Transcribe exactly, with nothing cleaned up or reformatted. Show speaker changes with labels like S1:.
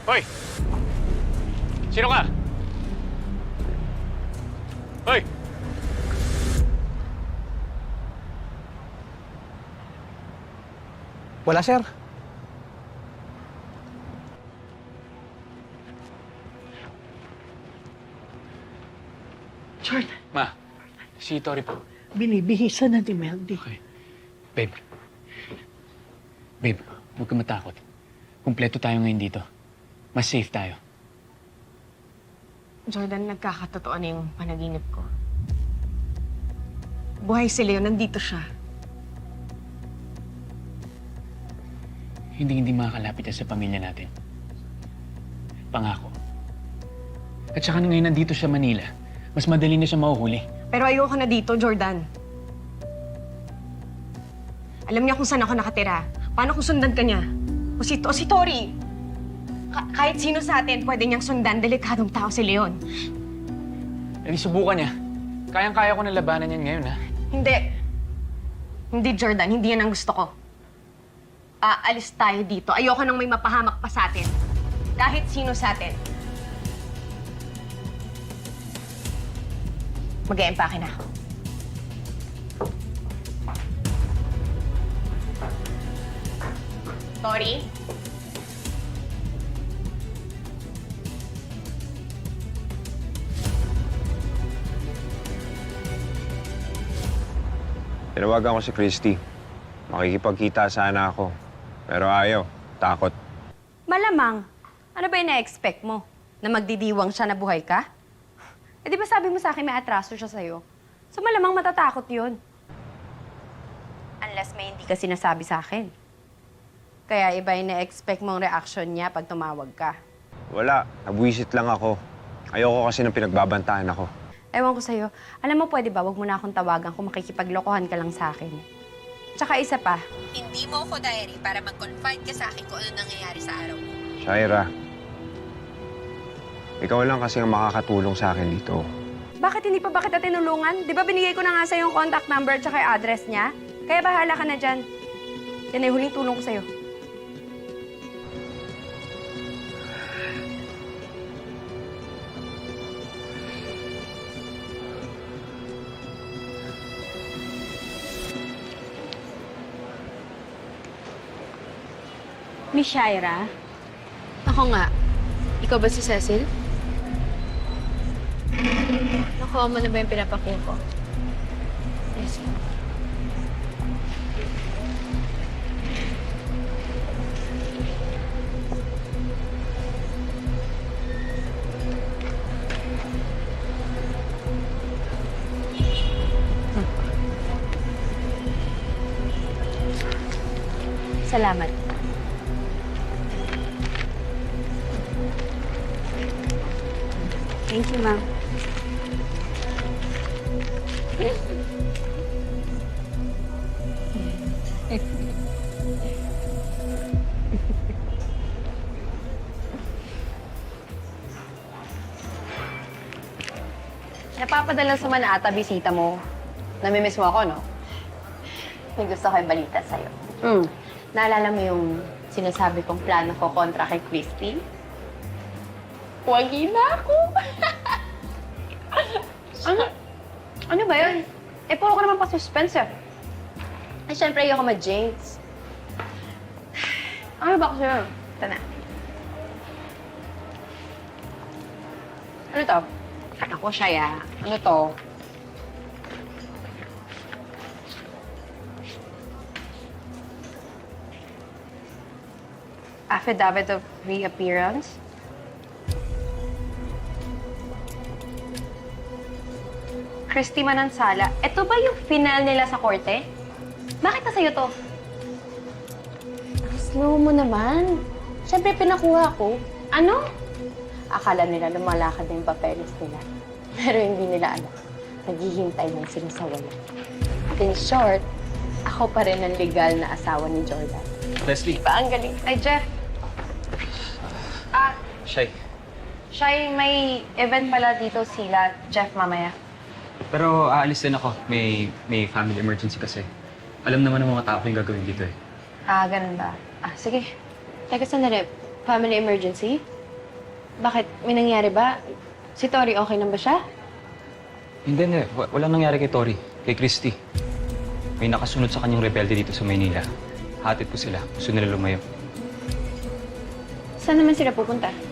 S1: Hoy! Sino ka? Hoy!
S2: Wala, sir.
S3: Jordan,
S1: Ma, si Tori po.
S3: binibihisan na ni Meldy.
S1: Okay. Babe. Babe, huwag ka matakot. Kumpleto tayo ngayon dito. Mas safe tayo.
S4: Jordan, nagkakatotoo na yung panaginip ko. Buhay si Leo, nandito siya.
S1: Hindi hindi makakalapit siya sa pamilya natin. Pangako. At saka na ngayon nandito siya Manila, mas madali na siya mahuhuli.
S4: Pero ayoko na dito, Jordan. Alam niya kung saan ako nakatira. Paano kung sundan ka niya? O si, o si Tori. Ka- kahit sino sa atin pwede niyang sundan. Delikadong tao si Leon.
S1: E di subukan niya. Kayang-kaya ko na labanan yan ngayon, ha?
S4: Hindi. Hindi, Jordan. Hindi yan ang gusto ko. Aalis tayo dito. Ayoko nang may mapahamak pa sa atin. Kahit sino sa atin. Mag-e-empake na ako. Tori?
S5: Tinawagan ko si Christy. Makikipagkita sana ako. Pero ayaw. Takot.
S6: Malamang. Ano ba yung na-expect mo? Na magdidiwang siya na buhay ka? Eh di ba sabi mo sa akin may atraso siya sa'yo? So malamang matatakot yun. Unless may hindi ka sinasabi sa akin. Kaya iba yung na-expect mong reaction niya pag tumawag ka.
S5: Wala. Nabwisit lang ako. Ayoko kasi nang pinagbabantaan ako.
S6: Ewan ko sa'yo. Alam mo, pwede ba, wag mo na akong tawagan kung makikipaglokohan ka lang sa akin. Tsaka isa pa, hindi mo ako diary para mag-confide ka sa akin kung ano nangyayari sa araw mo.
S5: Shaira, ikaw lang kasi ang makakatulong sa akin dito.
S6: Bakit hindi pa ba kita tinulungan? Di ba binigay ko na nga sa'yo yung contact number tsaka yung address niya? Kaya bahala ka na dyan. Yan ay huling tulong ko sa'yo.
S7: Miss Shaira? Ako nga. Ikaw ba si Cecil? Nakuha mo na ba yung pinapakuha ko? Yes.
S6: Salamat.
S7: Thank you, ma'am.
S6: Napapadala sa man ata bisita mo. Namimiss mo ako, no? May gusto ko yung balita sa'yo. Hmm. Naalala mo yung sinasabi kong plano ko kontra kay Christy? Wagi na ako! ano? Ano ba yun? Eh, puro ka naman pa-suspense eh. Eh, syempre, ayoko ma-jinx. Ano ba kasi yun? Ito na. Ano to? Ako siya, ya. Ano to? Affidavit of reappearance? Christy Manansala, ito ba yung final nila sa korte? Bakit na sa'yo to?
S7: Ang slow mo naman. Siyempre, pinakuha ko.
S6: Ano? Akala nila lumalakad na yung papeles nila. Pero hindi nila alam. Naghihintay ng sinasawala. In short, ako pa rin ang legal na asawa ni Jordan.
S1: Leslie.
S6: Ba, ang galing. Ay, Jeff. Ah,
S1: Shy.
S6: Shy, may event pala dito sila, Jeff, mamaya.
S8: Pero aalis din ako. May, may family emergency kasi. Alam naman ng mga tao yung gagawin dito eh.
S6: Ah, ganun ba? Ah, sige. Teka, sandali. Family emergency? Bakit? May nangyari ba? Si Tori okay lang ba siya?
S8: Hindi, hindi. Wa- Walang nangyari kay Tori. Kay Christy. May nakasunod sa kanyang rebelde dito sa Maynila. Hatid po sila. Gusto nila lumayo.
S6: Saan naman sila pupunta?